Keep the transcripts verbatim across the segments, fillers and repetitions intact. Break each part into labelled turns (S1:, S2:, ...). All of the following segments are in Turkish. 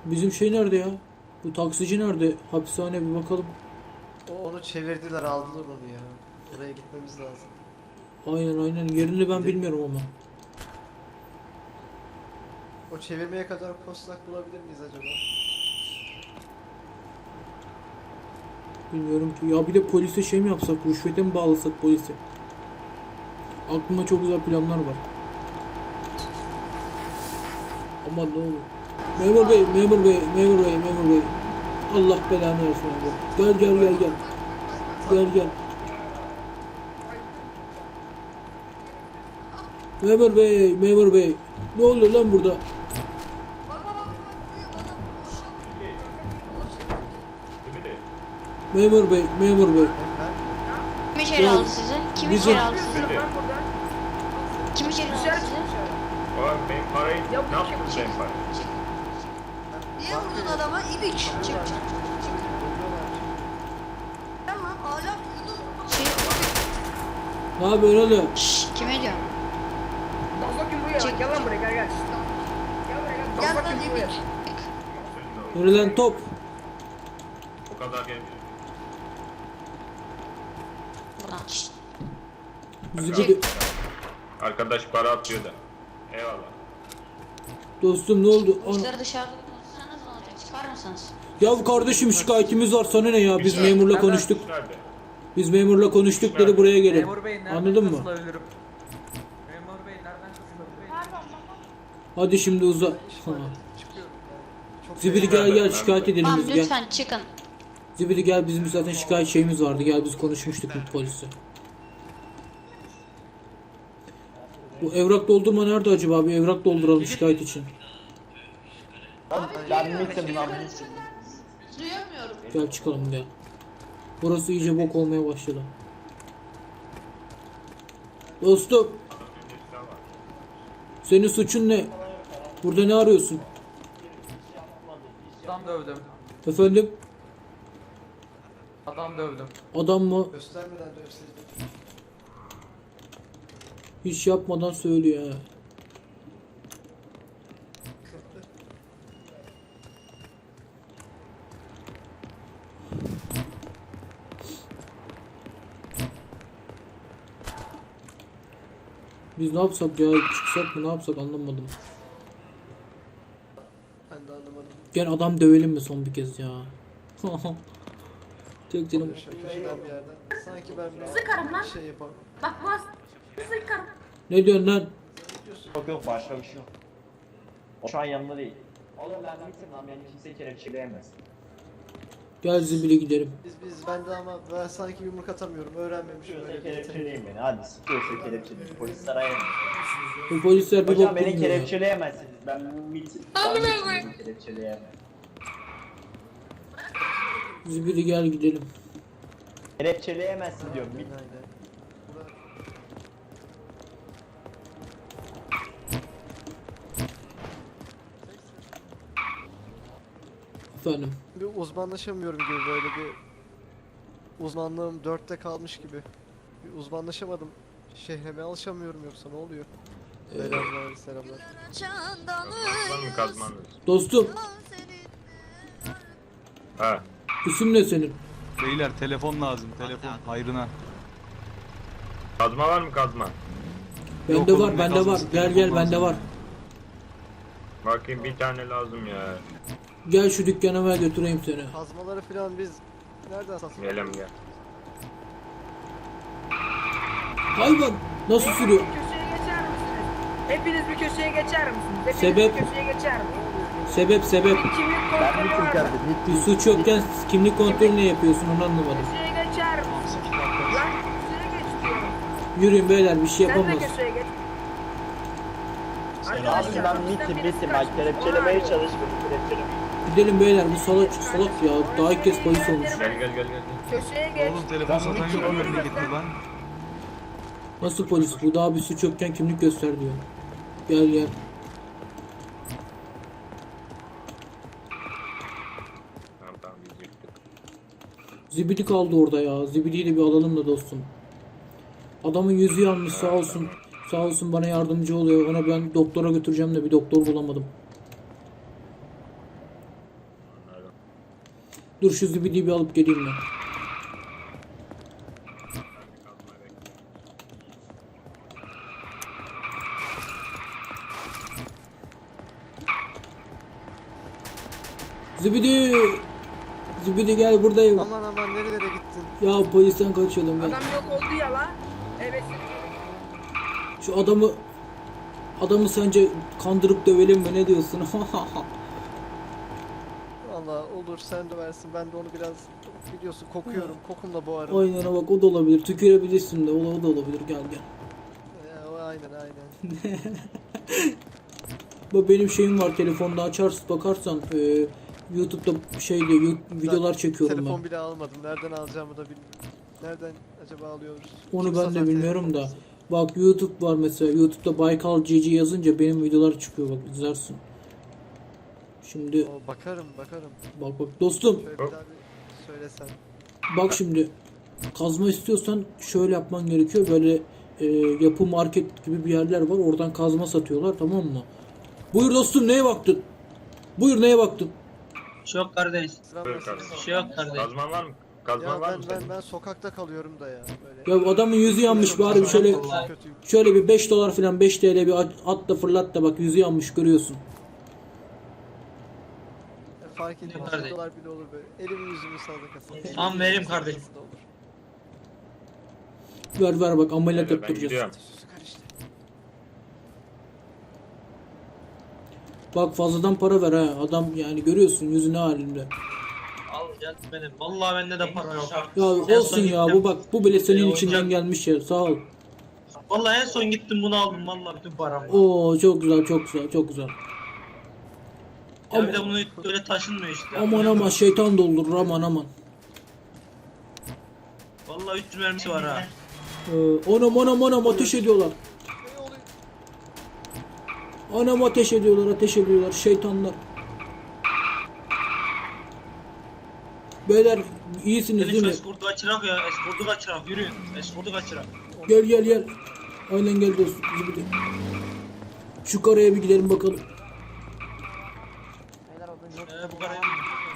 S1: Bizim şey nerede ya? Bu taksici nerede? Hapishane bir bakalım.
S2: O onu çevirdiler, aldılar onu ya. Oraya gitmemiz lazım.
S1: Aynen aynen. Yerini ben bilmiyorum ama.
S2: O çevirmeye kadar postlak bulabilir miyiz acaba?
S1: Bilmiyorum ki. Ya bir de polise şey mi yapsak? Rüşvete mi bağlasak polise? Aklımda çok güzel planlar var. Aman ne olur. Memur bey, memur bey, memur bey, memur bey. Allah belanı versin abi. Gel gel gel gel. Gel gel. Memur bey, memur bey. Ne oluyor lan burada? Memur bey, memur bey.
S3: Kim içeri
S1: Ya,
S3: aldı sizi? Kim
S1: bizim-
S3: içeri aldı sizi? Kim içeri aldı
S4: Dışarı
S3: sizi?
S4: çık dışarı.
S5: Oğlum benim parayı
S4: Ya bu
S5: ne yaptın
S4: kim-
S5: sen parayı?
S6: Niye vurdun adama? İbiç.
S3: Çık çık çık.
S6: Tamam hala
S3: Şey,
S1: Ne yapıyorsun oğlum?
S3: şşş, kime diyor?
S4: Bak bakayım buraya.
S3: Çık.
S4: Gel lan buraya, gel gel. Gel buraya gel.
S6: Gel
S4: Bak
S6: lan
S4: bakayım buraya.
S6: İbiç.
S1: Yürü lan top.
S5: O kadar gelmiş.
S3: Buradan şşş.
S1: Zibidi.
S5: Arkadaş para atıyor da. Eyvallah.
S1: Dostum ne oldu? Ana.
S3: Bizleri dışarıda tutsanız ne olacak? Çıkar mısınız?
S1: Ya kardeşim şikayetimiz var sana ne ya? Biz memurla konuştuk.
S5: Nerede?
S1: Biz memurla konuştuk dedi buraya gelin.
S7: Memur Bey nereden
S1: Anladın mı?
S7: katılabilirim? Memur Bey nereden katılabilirim?
S1: Hadi şimdi uza. Ha.
S2: Çıkıyorum. Yani çok
S1: Zibidi gel gel şikayet edelim
S3: Tamam
S1: biz gel.
S3: lütfen çıkın.
S1: Zibidi gel bizim zaten şikayet şeyimiz vardı. Gel biz konuşmuştuk bu polise. Bu evrak doldurma nerede acaba? Bir evrak dolduralım şikayet için.
S6: Ben mitim lan Duyamıyorum.
S1: Gel çıkalım gel. Burası iyice bok olmaya başladı. Dostum. Senin suçun ne? Burada ne arıyorsun?
S7: Adam dövdüm.
S1: Efendim?
S7: Adam dövdüm.
S1: Adam mı?
S2: göstermeden dövseydim.
S1: Hiç yapmadan söylüyor ha. Biz ne yapsak ya? Çıksak mı ne yapsak anlamadım.
S2: Ben de anlamadım.
S1: Gel adam dövelim mi son bir kez ya? Tek canım.
S2: Şöyle köşeden bir yerden. Sanki ben bir
S4: Sıkarım lan.
S2: şey yapamam.
S4: Bak bas. Sıkarım.
S1: Ne diyorsun lan?
S8: Yok yok başka bir şey yok. O şu an yanında değil. Oğlum ben mitim lan beni kimse kelepçeleyemez.
S1: Gel zibili gidelim.
S2: Biz biz ben de ama ben sanki yumruk atamıyorum. Öğrenmemişim
S8: Kimse
S2: öyle bir yeteneği.
S8: kelepçeleyin beni hadi sıkıyorsa kelepçeleyin. Polis arayamaz.
S1: Bu polisler bir
S8: Hocam
S1: bok
S8: beni
S1: bilmiyor ya.
S8: kelepçeleyemezsiniz. Ben mitim. Ben mitim beni kelepçeleyemez.
S1: Zibili gel gidelim.
S8: Kelepçeleyemezsin diyorum. Mit.
S2: Aynen. Bura-
S1: Efendim.
S2: Bir uzmanlaşamıyorum gibi, böyle bir uzmanlığım dörtte kalmış gibi. Bir uzmanlaşamadım. Şehreme alışamıyorum, yoksa ne oluyor? Selamlar selamlar.
S5: Kazman mı kazman mı?
S1: Dostum
S5: Ha.
S1: isim ne senin?
S9: Beyler telefon lazım, telefon hayrına.
S5: Kazma var mı kazma?
S1: Bende
S9: Yok oğlum,
S1: var
S9: ne
S1: bende var.
S9: kazması,
S1: Gel
S9: telefon
S1: gel bende
S9: lazım.
S1: var.
S5: Bakayım bir tane lazım ya.
S1: Gel şu dükkana ben götüreyim seni.
S2: Kazmaları falan biz nereden satın?
S5: Gelem gel.
S1: Hayvan nasıl sürüyor?
S4: Bir köşeye geçer misiniz? Hepiniz bir köşeye geçer misiniz? Hepiniz
S1: Sebep?
S4: bir köşeye geçer misiniz?
S1: Sebep sebep.
S4: Bir kimlik kontrolü var mı?
S1: Bir suç yokken kimlik kontrolü ne yapıyorsun onu anlamadım.
S4: Köşeye geçer misin? Lan köşeye geç diyorum.
S1: Yürüyün beyler bir şey
S4: Sen de
S1: yapamaz.
S4: köşeye geç.
S8: Abi
S4: Arkadaşlar,
S8: ben
S4: bizden
S8: mitim
S4: birisi
S8: mitim.
S4: kaçmış.
S8: Bak kelepçelemeye
S4: Ona-
S8: çalış beni kelepçeleme.
S1: Gidelim beyler bu salak salak ya. Daha ilk kez polis olmuş.
S5: Gel gel gel gel.
S4: Köşeye geç.
S9: Oğlum telefon satan yok mu memlekette lan?
S1: Nasıl polis bu? Daha bir suç yokken kimlik göster diyor. Gel gel.
S5: Tamam tamam biz yıktık.
S1: Zibidi kaldı orada ya. Zibidiyi de bir alalım da dostum. Adamın yüzü yanmış sağ olsun. Sağ olsun bana yardımcı oluyor. Ona ben doktora götüreceğim de bir doktor bulamadım. Dur şu zibidiyi bir alıp geleyim ben. Zibidi! Zibidi gel buradayım.
S2: Aman aman nerelere gittin?
S1: Ya polisten kaçıyordum ben.
S4: Adam yok oldu ya la. Evet.
S1: Şu adamı adamı sence kandırıp dövelim mi, ne diyorsun?
S2: Valla olur sen de versin. Ben de onu biraz biliyorsun kokuyorum. Kokumla boğarım.
S1: Aynen bak, o da olabilir. Tükürebilirsin de, o, o da olabilir. Gel gel.
S2: Ya, o aynen aynen.
S1: Bak benim şeyim var, telefonda açarsın bakarsan e, YouTube'da şey diyor, yu- videolar çekiyorum
S2: Telefon
S1: ben.
S2: bile almadım. Nereden alacağımı da bilmiyorum. Nereden acaba alıyoruz?
S1: Onu
S2: Kim
S1: ben
S2: satar
S1: de bilmiyorum da.
S2: telefonumuzu?
S1: Bak YouTube var mesela. YouTube'da Baykal Cici yazınca benim videolar çıkıyor, bak izlersin. Şimdi
S2: Oo, bakarım bakarım.
S1: bak bak dostum,
S2: Şöyle bir daha bir söylesen.
S1: bak şimdi kazma istiyorsan şöyle yapman gerekiyor. Böyle e, yapı market gibi bir yerler var. Oradan kazma satıyorlar, tamam mı? Buyur dostum, neye baktın? Buyur, neye baktın?
S7: Çok kardeş.
S2: Sıram
S5: Buyur
S2: nasıl?
S5: kardeşim.
S7: Şey yok kardeş.
S5: Kazman var mı? Kazman
S2: Ya
S5: var
S2: ben
S5: mı
S2: ben
S5: senin?
S2: ben sokakta kalıyorum da ya böyle.
S1: Ya adamın yüzü yanmış, bari bir şöyle
S2: Çok kötüyüm.
S1: şöyle bir beş dolar falan, beş T L bir at at da fırlat da, bak yüzü yanmış, görüyorsun.
S2: Ya fark etmez.
S7: Kardeş.
S2: Bir dolar bile olur böyle. Elimi yüzümü sadakası.
S7: Tamam, vereyim kardeşim.
S1: Ver ver bak, ameliyat
S5: Öyle, ben
S1: yaptıracağız.
S5: gidiyorum.
S2: Süsü karıştı.
S1: Bak fazladan para ver ha. Adam yani görüyorsun yüzü ne halinde.
S7: Al gel benim. Vallahi bende de para yok.
S1: Ya
S7: En
S1: olsun
S7: son
S1: ya,
S7: gittim.
S1: bu bak bu bile senin
S7: Ee,
S1: içinden
S7: oyuncak-
S1: gelmiş ya, sağ ol.
S7: Vallahi en son gittim bunu aldım. Vallahi bütün param var.
S1: Oo çok güzel, çok güzel, çok güzel.
S7: Ya bir de
S1: Aman
S7: bunu böyle taşınmıyor işte.
S1: aman, aman şeytan doldurur, aman aman.
S7: Vallahi üç yüz mermisi var ha.
S1: Ee, anam anam anam ateş ediyorlar.
S2: Ne oluyor?
S1: Anam ateş ediyorlar, ateş ediyorlar şeytanlar. Beyler iyisiniz
S7: Senin
S1: değil
S7: şu
S1: mi?
S7: eskortu kaçırak ya. Eskortu kaçırak. Yürüyün. Eskortu kaçırak.
S1: Gel gel gel. Aynen gel dostum. Zibidi. Şu karaya bir gidelim bakalım.
S7: Ee, bu kadar.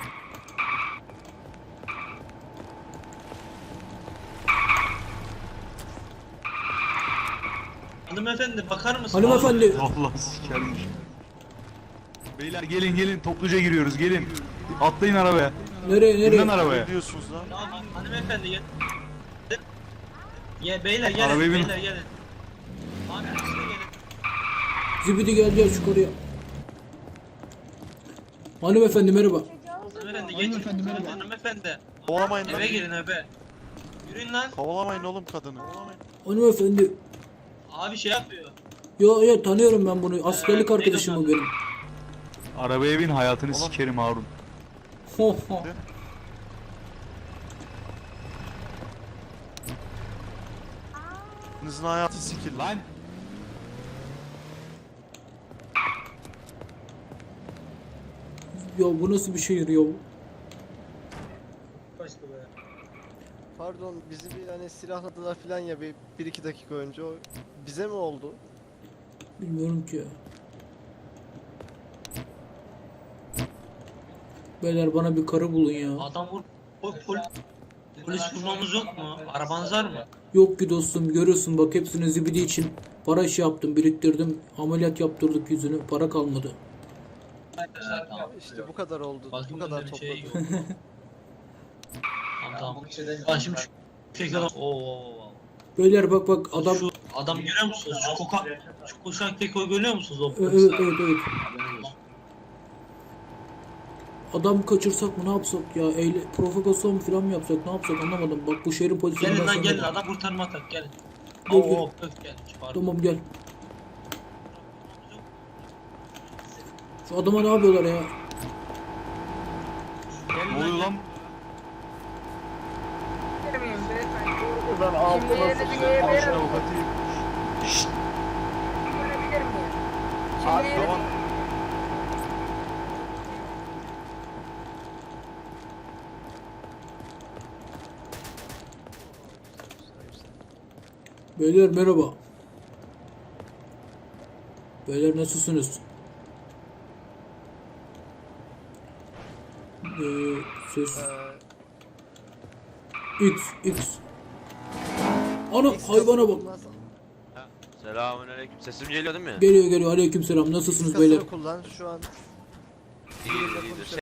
S7: Hanımefendi bakar mısın?
S1: Hanımefendi.
S9: Allah sikermiş. Beyler gelin gelin, topluca giriyoruz, gelin. Atlayın arabaya.
S1: Nereye
S9: İnin
S1: nereye?
S9: arabaya.
S7: Tamam, hanımefendi gel. Ya beyler gelin.
S9: Arabaya bin.
S7: Beyler gelin. Abi siz de gelin.
S1: Zibidi gel gel şu karaya. Hanımefendi merhaba.
S7: Hanımefendi geçin. Hanımefendi. Hanımefendi.
S10: Kovalamayın lan.
S7: Eve girin eve. Yürüyün lan.
S10: Kovalamayın oğlum kadını.
S1: Hanımefendi.
S7: Abi şey yapıyor.
S1: Yo yo tanıyorum ben bunu. Askerlik
S7: Ee,
S1: arkadaşım o
S7: neydi
S1: benim.
S9: Arabaya bin, hayatını sikerim Harun.
S1: Ho ho.
S10: Hepinizin hayatı sikildi.
S9: Lan.
S1: Ya bu nasıl bir şehir ya?
S7: Başka be.
S2: Pardon bizi bir hani silahladılar falan ya bir, bir iki dakika önce. O bize mi oldu?
S1: Bilmiyorum ki ya. Beyler bana bir karı bulun ya.
S7: Adam vur. Pol, pol, polis bulmamız yok mu? Arabanız var mı?
S1: Yok ki dostum, görüyorsun bak hepsini zibidi için para işi yaptım, biriktirdim. Ameliyat yaptırdık yüzünü, para kalmadı.
S7: Tamam.
S2: İşte bu kadar oldu. Bu
S7: Bakayım
S2: kadar
S7: bende bir şey
S2: topladım.
S7: yok. Tamam tamam. Ben şimdi şu şekilde oo, oo, oo.
S1: Beyler bak bak adam...
S7: Şu adam görüyor musunuz? Şu koka, şu koşan kekoyu görüyor musunuz o
S1: Evet
S7: polisler?
S1: evet evet. Adam kaçırsak mı, ne yapsak ya? Eyle, provokasyon mu falan mı yapsak, ne yapsak anlamadım. Bak bu şehrin polisi...
S7: Gelin
S1: ben
S7: lan
S1: sana-
S7: gelin, adam kurtarma atak gelin.
S1: Gel, gel.
S7: Oo öf gelmiş pardon.
S1: Tamam gel. Şu adama ne yapıyorlar ya?
S7: Gelin
S9: Ne oluyor lan?
S4: Girmeyeyim beyefendi.
S10: Ben altıma
S4: Şimdi yerinizi
S10: sıçrayım.
S4: görebilirim.
S10: Al şunu avukatıyım.
S4: Görebilir miyim?
S10: Abi
S4: Şimdi
S10: tamam.
S1: Beyler merhaba. Beyler nasılsınız? Ee, ses.
S2: Ee,
S1: X. X. Ana
S2: X
S1: hayvana bak.
S2: kullan-
S11: Selamünaleyküm. Sesim geliyor değil mi?
S1: Geliyor geliyor. Aleykümselam. Nasılsınız
S2: X
S1: beyler?
S2: kullan şu an.
S11: İyidir, iyidir.